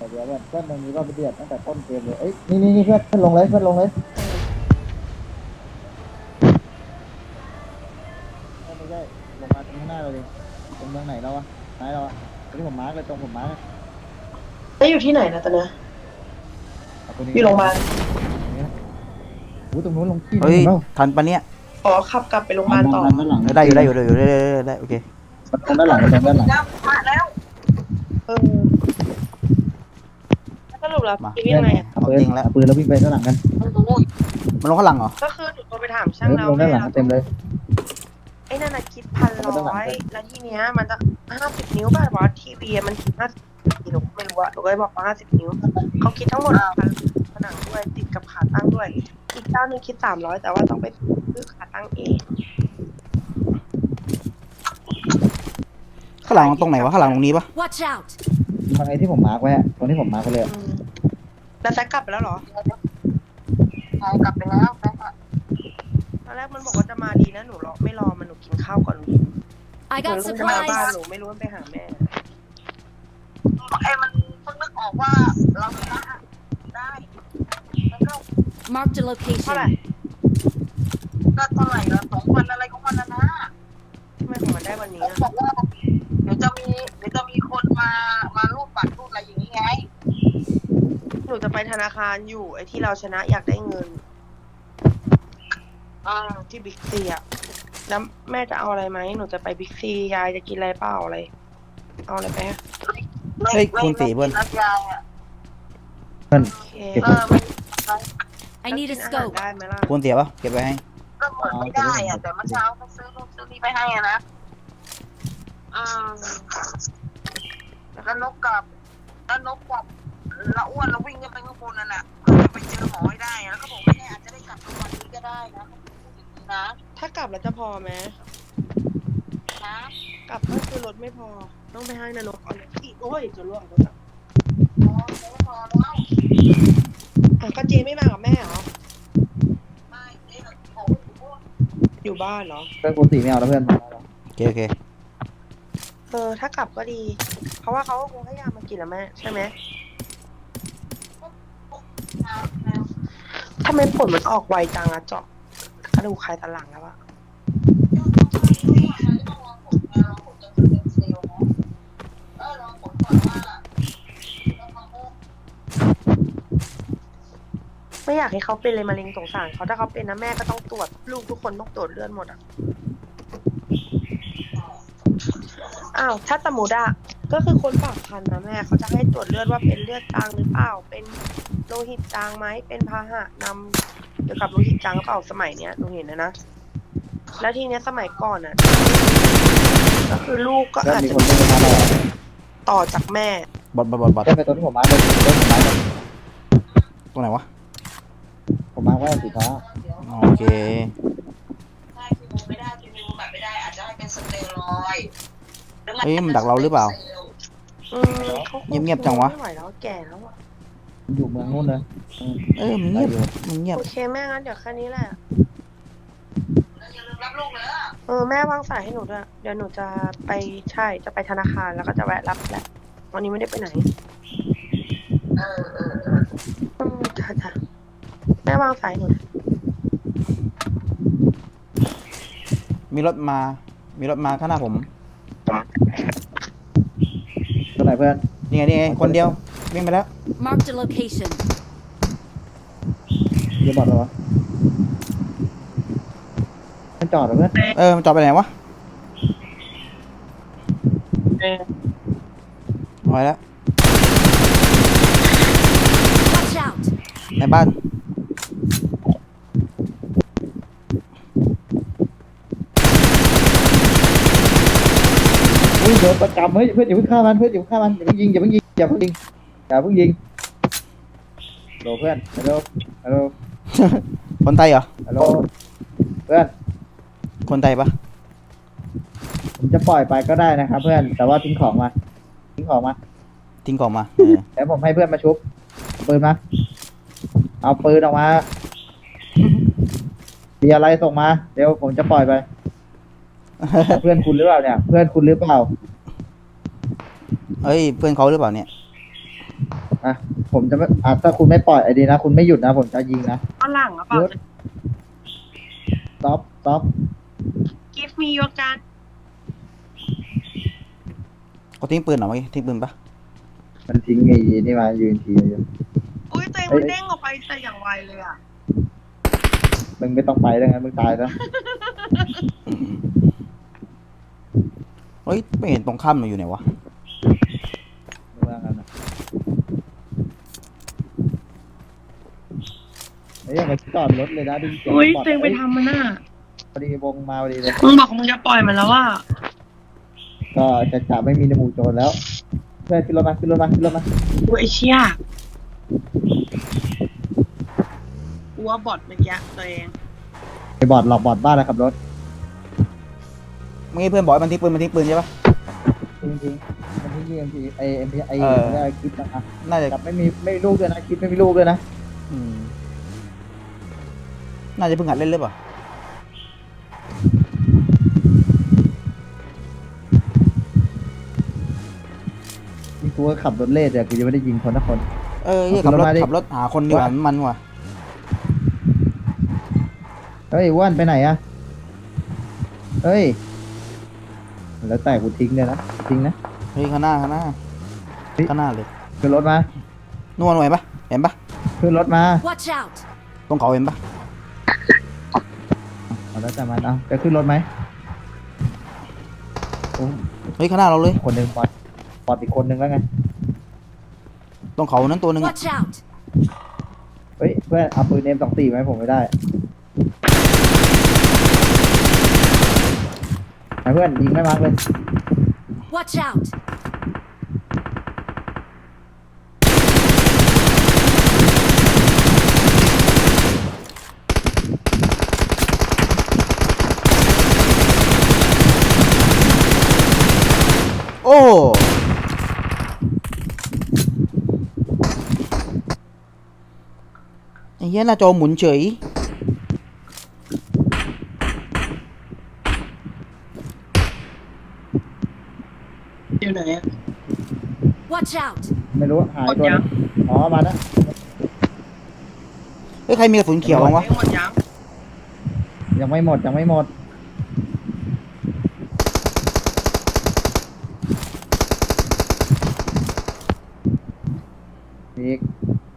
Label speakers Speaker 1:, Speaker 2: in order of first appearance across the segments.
Speaker 1: เดี๋ยวเพื่อนมันมีรอบเดือดตั้งแต่ต้นเกมเลยเอ้ยนี่เพื่อนลงเลยเพื่อนลงเลยไม่ใช่ลงมาตรงข้างหน้าเราดิตรงเมืองไหนเราอะไหนเราอะที่ผมมาร์กเลยตรงผมมาร์ก
Speaker 2: แล้วอยู่ที่ไหนนะตอนนี้อยู่โรงพยาบาล
Speaker 1: ตรงนู้นลงที่
Speaker 3: เฮ้ย
Speaker 1: นู้น
Speaker 3: ทันปะเนี่ย
Speaker 2: อ๋อขับกลับไปโรงพยาบาลต่อ
Speaker 1: ด้านหลัง
Speaker 3: ได้ได้โอเค
Speaker 1: ตรงด้านหลังตรงด้านหลัง
Speaker 2: แล้วเออสรุปแล้ว
Speaker 3: มา
Speaker 2: คิดยังไงอ่ะ
Speaker 3: เอาจริงแล้ว
Speaker 1: ปืนแล้ววิ่งไปด้านหลังกัน
Speaker 3: มันลงข้างหลังเหรอ
Speaker 2: ก็คือหนูโทรไปถามช่างแล้ว
Speaker 1: ลงด้านหลังเต็มเลย
Speaker 2: ไอ้นั่นน่ะคิด1,100แล้วทีเนี้ยมันจะ50 นิ้วป่ะวะทีวีมันคิด50 นิ้วหนูไม่รู้อะหนูก็เลยบอกว่า50 นิ้วเขาคิดทั้งหมดผนังด้วยติดกับขาตั้งด้วยอีกเจ้านึงคิด300แต่ว่าต้องไปซื้อขาตั้งเอง
Speaker 3: ข้างหลังตรงไหนวะข้างหลังตรงนี้ปะ
Speaker 4: Watch out!
Speaker 1: ทางไอ้ที่ผมมาร์กไว้ตรงที่ผมมาร์กไปเลย
Speaker 2: แล้วแซกกลับไปแล้วเหรอ
Speaker 5: กลับไปแล้วแม่ค่ะ
Speaker 2: ตอนแรกมันบอกว่าจะมาดีนะหนูรอไม่รอมันหนูกินข้าวก่อน
Speaker 4: I
Speaker 2: หนู
Speaker 4: got
Speaker 2: จะมาบ้าน
Speaker 4: supplies!
Speaker 2: หนูไม่รู้มันไปหาแม่
Speaker 5: มันเพิ่งนึกออกว่าเราชนะได้แล้วก็
Speaker 4: Marked a
Speaker 2: เท่าไหร่
Speaker 4: location.
Speaker 5: ก็เท่าไหร่ละ2 วันอะไรของมันนะ
Speaker 2: ทำไมของมันได้วันนี้
Speaker 5: เขาบอกว่าเดี๋ยวจะมีคนมารูดบัตรรูดอะไรอย่างนี้ไง
Speaker 2: หนูจะไปธนาคารอยู่ไอ้ที่เราชนะอยากได้เงินที่บิ๊กซีอะแล้วแม่จะเอาอะไรไหมหนูจะไปบิ๊กซียายจะกินอะไรเปล่าอะไรเอาอะไรไปฮะ
Speaker 3: เฮ้ยคุณตีเพื่อน
Speaker 5: นัดยายอ่ะ
Speaker 2: โอเค
Speaker 4: I need a
Speaker 2: กินอาหาร
Speaker 4: scope.
Speaker 2: ได้ไหมล่ะ
Speaker 3: คุณเสียปะเก็บไว้ให้
Speaker 5: ก็เหมือนไม่ได้อ่ะแต่เมื่อเช้าเขาซื้อนู่นซื้อนี่ไปให้อ่ะนะแล้วนกกับละอ้วนเราวิ่งกันไปข้างบนนั่นแหละเพื่อจะไปเจอหมอให้ได้แล้วก็บอกว่าเนี่ยอาจจะได้กลับวันนี้ก็ได้นะเขาพูดอย่างนี้นะ
Speaker 2: ถ้ากลับแล้วจะพอไหม
Speaker 5: นะ
Speaker 2: กลับก็คือรถไม่พอต้องไปให้นรกเอาเลยอีกโอ้ยจะล่วงรถอะ
Speaker 5: อ๋อไม่พอแล้ว
Speaker 2: ก็เจไม่มากับแม่เหรอ
Speaker 5: ไม่เจ๊แบบโอ้โห
Speaker 2: อยู่บ้านเหรอ
Speaker 1: เพื่อนคุณตีไม่เอาแล้วเพื่อน
Speaker 3: โอเค
Speaker 2: ถ้ากลับก็ดี เพราะว่าเขาก็คงให้ยามากินแล้วแม่ใช่ไหมทำไมผลมันออกไวจังอะเจาะกระดูกไขสันหลังแล้วอะไม่อยากให้เขาเป็นเลยมะเร็งสงสารเขาถ้าเขาเป็นนะแม่ก็ต้องตรวจลูกทุกคนต้องตรวจเลือดหมดอะอ้าวถ้าสมมติอะก็คือคนฝากคันนะแม่เขาจะให้ตรวจเลือดว่าเป็นเลือดจางหรือเปล่าเป็นโลหิตจางไหมเป็นพาหะนำเกี่ยวกับโลหิตจางหรือเปล่าสมัยเนี้ยหนูเห็นนะแล้วทีเนี้ยสมัยก่อนอะก็คือลูกก็
Speaker 1: เพื่อน
Speaker 2: อาจ
Speaker 1: มี
Speaker 2: จะ
Speaker 1: คนเล่นมาแล้ว
Speaker 2: ต่อจากแม่
Speaker 3: บอด
Speaker 1: เพื่อนไปตรงที่ผมมาร์กเลยตรงผมมาร์กเลย
Speaker 3: ตรงไหนวะ
Speaker 1: ผมมาร์กไว้สีฟ้า
Speaker 3: โอเค
Speaker 5: ได้คีโมไม่ได้คีโมแบบไม่ได้อาจจะให้เป็นสเตียรอยด์
Speaker 3: เฮ้ยมันดักเราหรือเปล่า
Speaker 2: เขา
Speaker 3: เงียบๆจังวะ
Speaker 2: ไม่ไหวแล้วแก่แล้วอะ
Speaker 1: อยู่เมืองนู้นเลย
Speaker 3: มันเงียบ
Speaker 2: โอเคแม่งั้นเดี๋ยวแค่นี้แหละ
Speaker 5: อย่าลืมรับลูกเลยอะ
Speaker 2: แม่วางสายให้หนูด้วยเดี๋ยวหนูจะไปจะไปธนาคารแล้วก็จะแวะรับแหละวันนี้ไม่ได้ไปไหนจ้ะแม่วางสายให้หนูด้วย
Speaker 3: มีรถมาข้างหน้าผม
Speaker 1: ตรงไหนเพื่อน
Speaker 3: นี่ไงคนเดียววิ่งไปแล้ว
Speaker 4: Marked a location.
Speaker 1: เดี๋ยวบอกเลยวะมันจอดเหรอเพื่อน
Speaker 3: มันจอดไปไหนวะเอาไปแล้ว
Speaker 4: Watch out!
Speaker 3: ในบ้าน
Speaker 1: อุ้ยโดนประจำเฮ้ยเพื่อนอย่าเพิ่งฆ่ามันอย่าเพิ่งยิงอย่าเพิ่งยิงโหลเพื่อนฮัลโหล
Speaker 3: คนไทยเหรอ
Speaker 1: ฮัลโหลเพื่อน
Speaker 3: คนไทยปะ
Speaker 1: ผมจะปล่อยไปก็ได้นะครับเพื่อนแต่ว่าทิ้งของมา
Speaker 3: ทิ้งกล่องมา
Speaker 1: แล้วผมให้เพื่อนมาชุบเอาปืนมาเอาปืนออกมามีอะไรส่งมาเดี๋ยวผมจะปล่อยไป เพื่อนคุณหรือเปล่าเนี่ย เพื่อนคุณหรือเปล่า
Speaker 3: เฮ้ยเพื่อนเขาหรือเปล่าเนี่ย
Speaker 1: ออ่ะผมจะไม่ถ้าคุณไม่ปล่อยไอ้ดีนะ คุณไม่หยุดนะ ผมจะยิงนะ
Speaker 2: ฝรั่งหรือเปล่า
Speaker 1: หยุด stop
Speaker 2: Give me your gun
Speaker 3: เขาทิ้งปืนเหรอเมื่อกี้ทิ้งปืนปะ
Speaker 1: มันทิ้งไอ้นี่มายืนทีอยู่
Speaker 2: อุ้ยตัวเองมันเด้งออกไปแต่อย่างไวเลยอ่ะ
Speaker 1: มึงไม่ต้องไปแล้วไงมึงตายแล้ว
Speaker 3: เฮ้ยไม่เห็นตรงข้ามมันอยู่ไหนวะ
Speaker 1: มึงว่างั้นนะเฮ้ยมาจอดรถเลยนะดึง
Speaker 2: อุ้ยตัวเองไปทำมันน่ะ
Speaker 1: พอดีวงมาพอดีเลย
Speaker 2: มึงบอกมึงจะปล่อยมันแล้วว่า
Speaker 1: ก็จะไม่มีในหมู่โจรแล้วเพื่อนขึ้นรถมาขึ้นรถมาขึ้นรถมา
Speaker 2: อุ้ยไอ้เชี่ยกูว่าบอทเมื่อกี้ตัวเอง
Speaker 1: ไอ้บอดหลอกบอดบ้านแล้วขับรถ
Speaker 3: เมื่อกี้เพื่อนบอกให้มันทิ้งปืนใช่ปะ
Speaker 1: จริงๆมันที่ยิงไอเอ็มพีไอ
Speaker 3: เออ
Speaker 1: คลิปนะ
Speaker 3: น่าจะ
Speaker 1: กับไม่มีลูกด้วยนะคลิปไม่มีลูกด้วยนะ
Speaker 3: อืมน่าจะเพิ่งหัดเล่นหรือเปล่า
Speaker 1: นี่กูก็ขับรถเล่แต่กูยังไม่ได้ยิงคนทุกคน
Speaker 3: เออเหี้ย
Speaker 1: เอาขึ้นรถมาดิ
Speaker 3: ขับรถหาคนดีกว่ามันว่ะ
Speaker 1: เฮ้ยอ้ว่านไปไหนอะเฮ้ยแล้วแต่กูทิ้งเลยนะทิ้งนะ
Speaker 3: เฮ้ยข้างหน้าข้างหน้า
Speaker 1: เฮ้ย
Speaker 3: ข้างหน้าเลย
Speaker 1: ขึ้นรถมา
Speaker 3: นู่นหน่วยปะเห็นปะ
Speaker 1: ขึ้นรถมา
Speaker 4: Watch out!
Speaker 3: ตรงเขาเห็นปะ
Speaker 1: เอาแล้วแต่มันเอาจะขึ้นรถไหมโอ้
Speaker 3: เฮ้ยข้างหน้าเราเลย
Speaker 1: คนหนึ่งบอดอีกคนหนึ่งแล้วไง
Speaker 3: ตรงเขานั้นตัวหนึงอะ
Speaker 4: Watch out!
Speaker 1: เฮ้ยเพื่อนเอาปืนเอ็ม24ไหมผมไม่ได้ไหนเพื่อนยิงไม่มาร์กเลย
Speaker 4: Watch out!
Speaker 3: โอ้ไอ้เหี้ยหน้าจอหมุนเฉย
Speaker 2: อยู่ไหนอะ
Speaker 4: Watch out!
Speaker 1: ไม่รู้หาย
Speaker 2: หมด
Speaker 1: ตัว
Speaker 2: ยัง
Speaker 1: อ๋อมาแล้ว
Speaker 3: เฮ้ยใครมีกระสุนเขียวบ้างวะ
Speaker 2: ไม่หมดยัง
Speaker 1: ยังไม่หมดยังไม่หมดอีก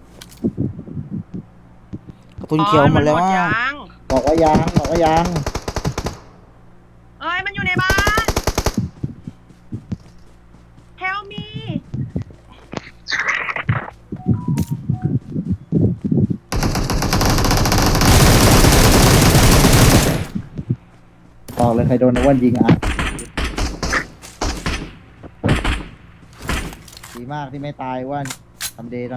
Speaker 3: กระสุนเขียวหมดแล้ว
Speaker 2: อ๋อ
Speaker 3: ว่า
Speaker 2: ยัง
Speaker 1: บอกว่ายังบอกว่ายัง
Speaker 2: เอ้ยมันอยู่ในบ้าน Help me
Speaker 1: บอกเลยใครโดนอ้วนยิงอ่ะดีมากที่ไม่ตายอ้วนทำเดย์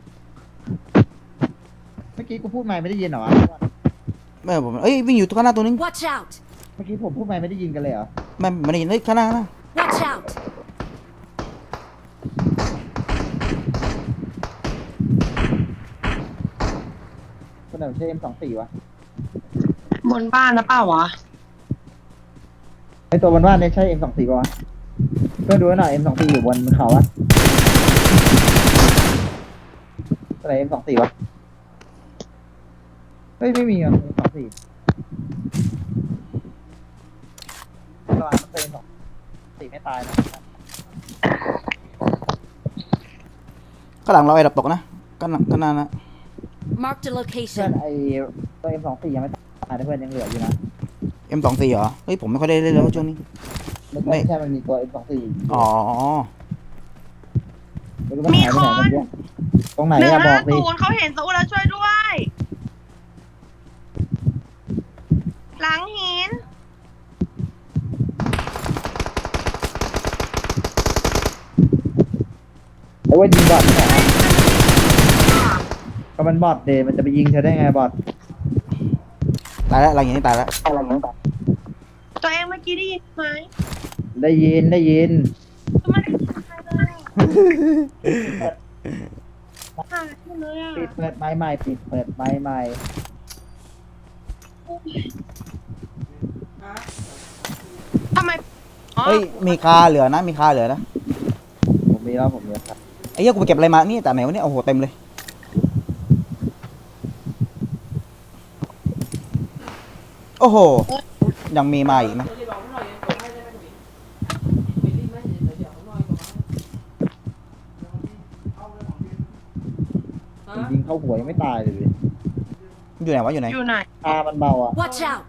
Speaker 1: เมื่อกี้กูพูดไม่ได้ยินเหรอ
Speaker 3: ไม่ผมเอ้ยวิ่งอยู่ตรงข้างหน้าตัวนึง
Speaker 4: Watch out!
Speaker 1: เมื่อกี้ผมพูดไม่ได้ยินกันเลยเหรอ
Speaker 3: ไม่ได้ยินเฮ้ยข้างหน้าข้างหน้า
Speaker 4: Watch out!
Speaker 1: คนไหนใช่ M24 วะ
Speaker 2: บนบ้านนะเปล่าวะ
Speaker 1: ไอตัวบนบ้านเนี่ยใช่ M24 ป่ะวะก็ดูหน่อย M24 อยู่บนเขาอะตัวไหน M24 วะเฮ้ยไม่มีอ่ะ M24 ระวังมันเป็นM24ไม่ตายนะ
Speaker 3: ข้างหลังเราไอ้ดับตกนะข้างหลังข้างหน้านะ
Speaker 4: Marked a
Speaker 1: เพื่อน
Speaker 4: location.
Speaker 1: ไอตัว M24 ยังไม่ตายนะเพื่อนยังเหลืออยู่นะ
Speaker 3: M24 เหรอเฮ้ยผมไม่ค่อยได้เล่นแล้วช่วงนี้
Speaker 1: ไม่ใช่มันมีตัว M24
Speaker 3: อ๋อ
Speaker 1: ไม่รู้มันหายไปไหนกันเนี่ยตรงไหนอะบอกดิ
Speaker 2: 150เขาเห็นสู้แล้วช่วยด้วย หลังหิน
Speaker 1: ไอ้ว่ายิงบอทที่ไหนก็มันบอทเดมันจะไปยิงเธอได้ไงบอท
Speaker 3: ตายแล้วหลังอย่างนี้ตายแล้ว
Speaker 2: ตัวเองเมื่อกี้ได้ยินไหม
Speaker 1: ได้ยิน
Speaker 2: ก็ไม่ได้ยินใครเลยหายหมดเลยอ่ะ
Speaker 1: ปิดเปิดไม้ใหม่ปิดเปิดไม้ใหม่
Speaker 2: ทำไมอ๋อ
Speaker 3: เฮ้ยมีคาเหลือนะมีคาเหลือนะ
Speaker 1: ผมมีแล้วครับ
Speaker 3: ไอ้เหี้ยกูไปเก็บอะไรมานี่แต่ไหนวะเนี่ยโอ้โหเต็มเลยโอ้โหยังมีมาอีกนะ
Speaker 1: ยิงเข้าหัวยังไม่ตายเลยดิ
Speaker 3: อยู่ไหนวะอยู่ไหน
Speaker 2: อยู่ไหน
Speaker 1: ตามันเบาอ่ะ
Speaker 4: Watch out!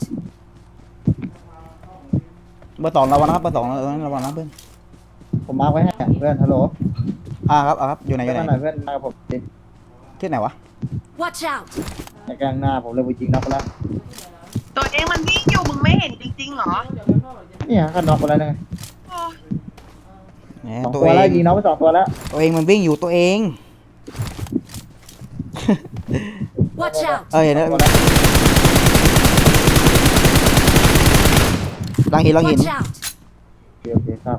Speaker 3: เบอร์สองระวังนะครับเบอร์สองระวังนะเพื่อน
Speaker 1: ผมมาร์คไว้ให้อะเพื่อนฮัลโหล
Speaker 3: ครับอยู่ไหนอยู่ไหน
Speaker 1: มาหน่อยเพื่อนมากับผมดิ
Speaker 3: ที่ไหนวะ
Speaker 4: Watch out!
Speaker 1: ในกลางหน้าผมเลยไปยิงน็อกไปแล้ว
Speaker 2: ตัวเองมันวิ่งอยู่มึงไม่เห็นจริงๆเหรอ
Speaker 1: เนี่ยก็น็อกไปแล้วนะ
Speaker 2: โอ้
Speaker 3: แหม
Speaker 1: สอง
Speaker 3: ตัว
Speaker 1: ตัว
Speaker 3: เอ
Speaker 1: แล้ว
Speaker 3: ง
Speaker 1: ยิงน็อกไป2 ตัวแล้ว
Speaker 3: ตัวเองมันวิ่งอยู่ตัวเอง
Speaker 4: Watch out!
Speaker 3: เห็นแล้วลังหิน
Speaker 4: Watch out!
Speaker 1: โอเคครับ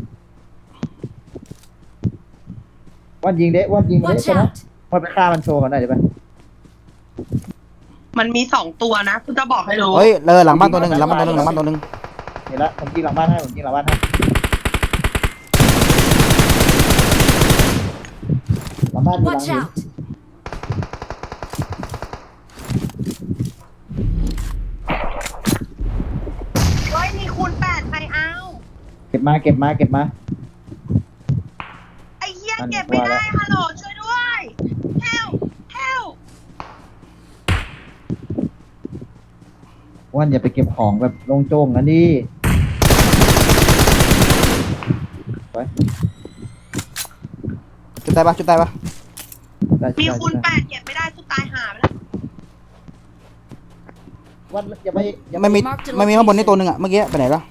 Speaker 1: วันยิงเด้วันยิงเด้
Speaker 4: Watch
Speaker 1: ใช่ไหม
Speaker 4: out!
Speaker 1: วันไปฆ่ามันโชว์กันหน่อยได้ไหม
Speaker 2: มันมี2 ตัวนะกูจะบอกให้รู้
Speaker 3: เฮ้ยหลังบ้านตัวหนึ่งหลังบ้านตัวหนึ่ง
Speaker 1: เห็นแล้วผมยิงหลังบ้านให้ผมยิงหลังบ้านให้หลังบ้านมีหลัง
Speaker 4: Watch
Speaker 1: หิน
Speaker 4: out!
Speaker 2: เฮ้ยมีคูณ8ใครเอา
Speaker 1: เก็บมา
Speaker 2: ไอ้เหี้ยเก็บไม่ได้ฮัลโหลช่วยด้วยเฮล
Speaker 1: วันอย่าไปเก็บของแบบโล่งโจ้งนะดิ
Speaker 3: จุดได้ปะ
Speaker 2: มีคูณ8เก็บไม่ได้กูตายหาไปแล้ว
Speaker 1: วันอย่าไปอย่าไป
Speaker 3: ไม่มีข้างบนนี่ตัวหนึ่งอะเมื่อกี้ไปไหนแล้ว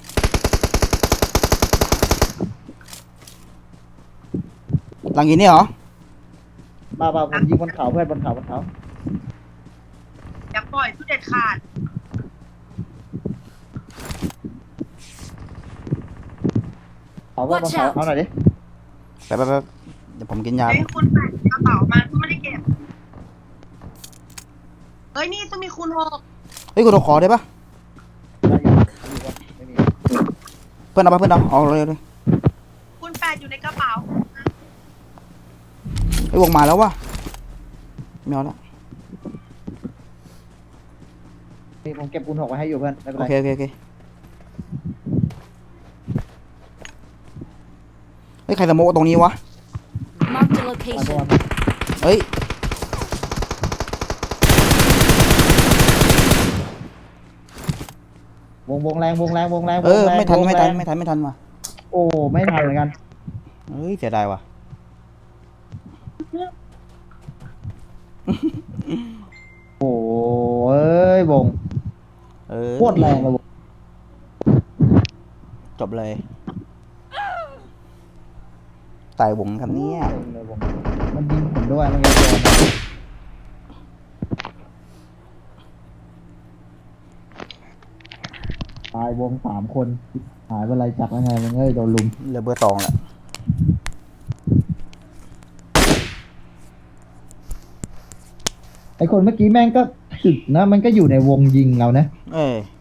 Speaker 3: หลังหินนี่เหรอ
Speaker 1: มาผมยิงบนเขาเพื่อนบนเขา
Speaker 2: อย่าปล่อยผู้เด็ดขาด
Speaker 1: เขาเพื่อนบนเขาเอาหน่อยดิ
Speaker 3: ไปเดี๋ยวผมกินยา
Speaker 2: เฮ้ยคูณ8กระเป๋ามากูไม่ได้เก็บเฮ้ยนี่ต้องมีคูณ6
Speaker 3: เฮ้ยกูขอได้ปะ
Speaker 1: ไม่มี
Speaker 3: เพื่อนเอาเลย
Speaker 2: คูณ8อยู่ในกระเป๋า
Speaker 3: ไอ้วงมาแล้ววะไม่เอาละ
Speaker 1: นี่ผมเก็บคูณ6ไว้ให้อยู่เพื่อนไม่เป็น
Speaker 3: โอ
Speaker 1: ไร
Speaker 3: เคเฮ้ยใครสโมกตรงนี้วะ
Speaker 4: Marked a
Speaker 1: มา
Speaker 4: location.
Speaker 1: ตัว
Speaker 3: เฮ้ย
Speaker 1: วงแรง
Speaker 3: ไม่ทันว่ะ
Speaker 1: โอ้ไม่ทันเหมือนกัน
Speaker 3: เฮ้ยเสียดายว่ะ
Speaker 1: โอ้เอ้ยวงโคตรแรงเลยวง
Speaker 3: จบเลยตายวงครับเนี่ย
Speaker 1: มันยิงผมด้วยมันยิงตายวง3 คนหายไปไรจับยังไงมึงเอ้ยโดนลุม
Speaker 3: เหลือเบอร์สองแหละ
Speaker 1: ไอคนเมื่อกี้แม่งก็ถึกนะมันก็อยู่ในวงยิงเรานะ
Speaker 3: เอ้ย